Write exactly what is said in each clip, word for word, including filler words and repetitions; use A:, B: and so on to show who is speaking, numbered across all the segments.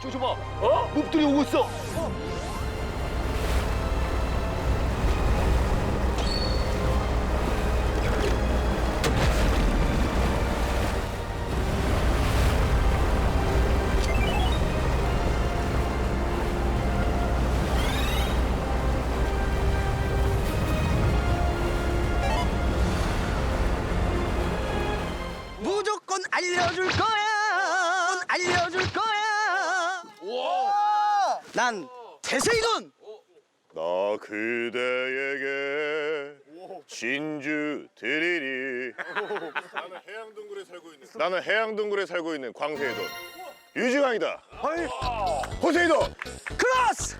A: 저, 저 봐. 어? 몹들이 오고 있어.
B: 무조건 알려줄 거야. 알려줄 거야.
A: 우와.
B: 난 태세이돈.
C: 나 그대에게 진주 드리리. 나는 해양동굴에 살고 있는 나는 해양동굴에 살고 있는 광세이돈 유지강이다. 호세이돈.
B: 크로스.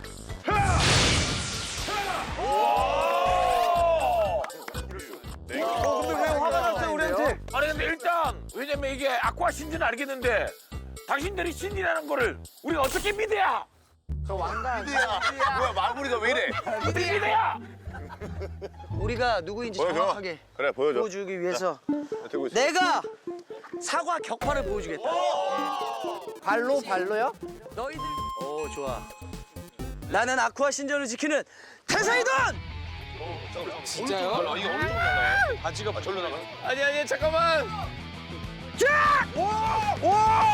B: 어, 근데 왜 화가 났어요, 우리한테?
D: 아니 근데 일단 왜냐면 이게 아쿠아 신지는 알겠는데 당신들이 신이라는 거를 우리가 어떻게 믿어야?
A: 뭐야, 마무리가 왜 이래?
D: 어떻게 믿어야?
B: 우리가 누구인지
C: 보여줘.
B: 정확하게
C: 그래 보여줘.
B: 보여주기 위해서
C: 들고 있어.
B: 내가 사과 격파를 보여주겠다. 발로 발로요? 너희들. 오 좋아. 나는 아쿠아 신전을 지키는 태세이돈.
A: 진짜요? 아, 이게 엄청 나가. 바지가 절로 나가.
D: 아니 아니 잠깐만.
B: 자! 오! 오!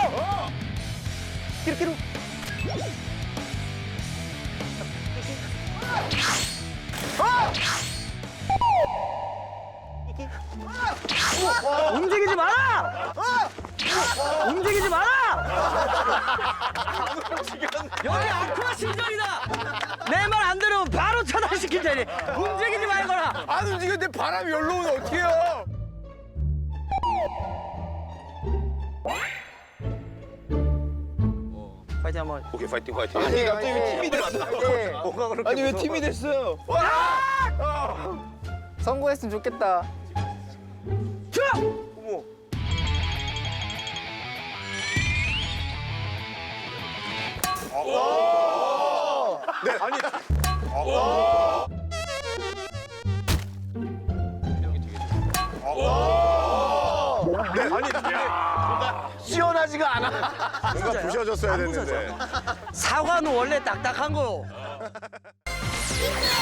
B: 끼룩끼룩. 움직이지 마라! 움직이지 마라! 여기 아쿠아 신전이다! 내 말 안 들으면 바로 차단시킬 테니 움직이지 말거라!
D: 안 움직였는데 바람이 열로 오면 어떡해요?
B: 파이팅 한번.
A: 오케이, 파이팅, 파이팅.
B: 아니 갑자기 왜 팀이 됐어? 뭐가 그렇게
A: 아니, 왜 팀이 됐어요?
E: 성공했으면 좋겠다.
B: 자!
A: 시원하지가 않아.
C: 뭔가 부셔졌어야
B: 안
C: 됐는데.
B: 사과는 원래 딱딱한 거.
C: 아,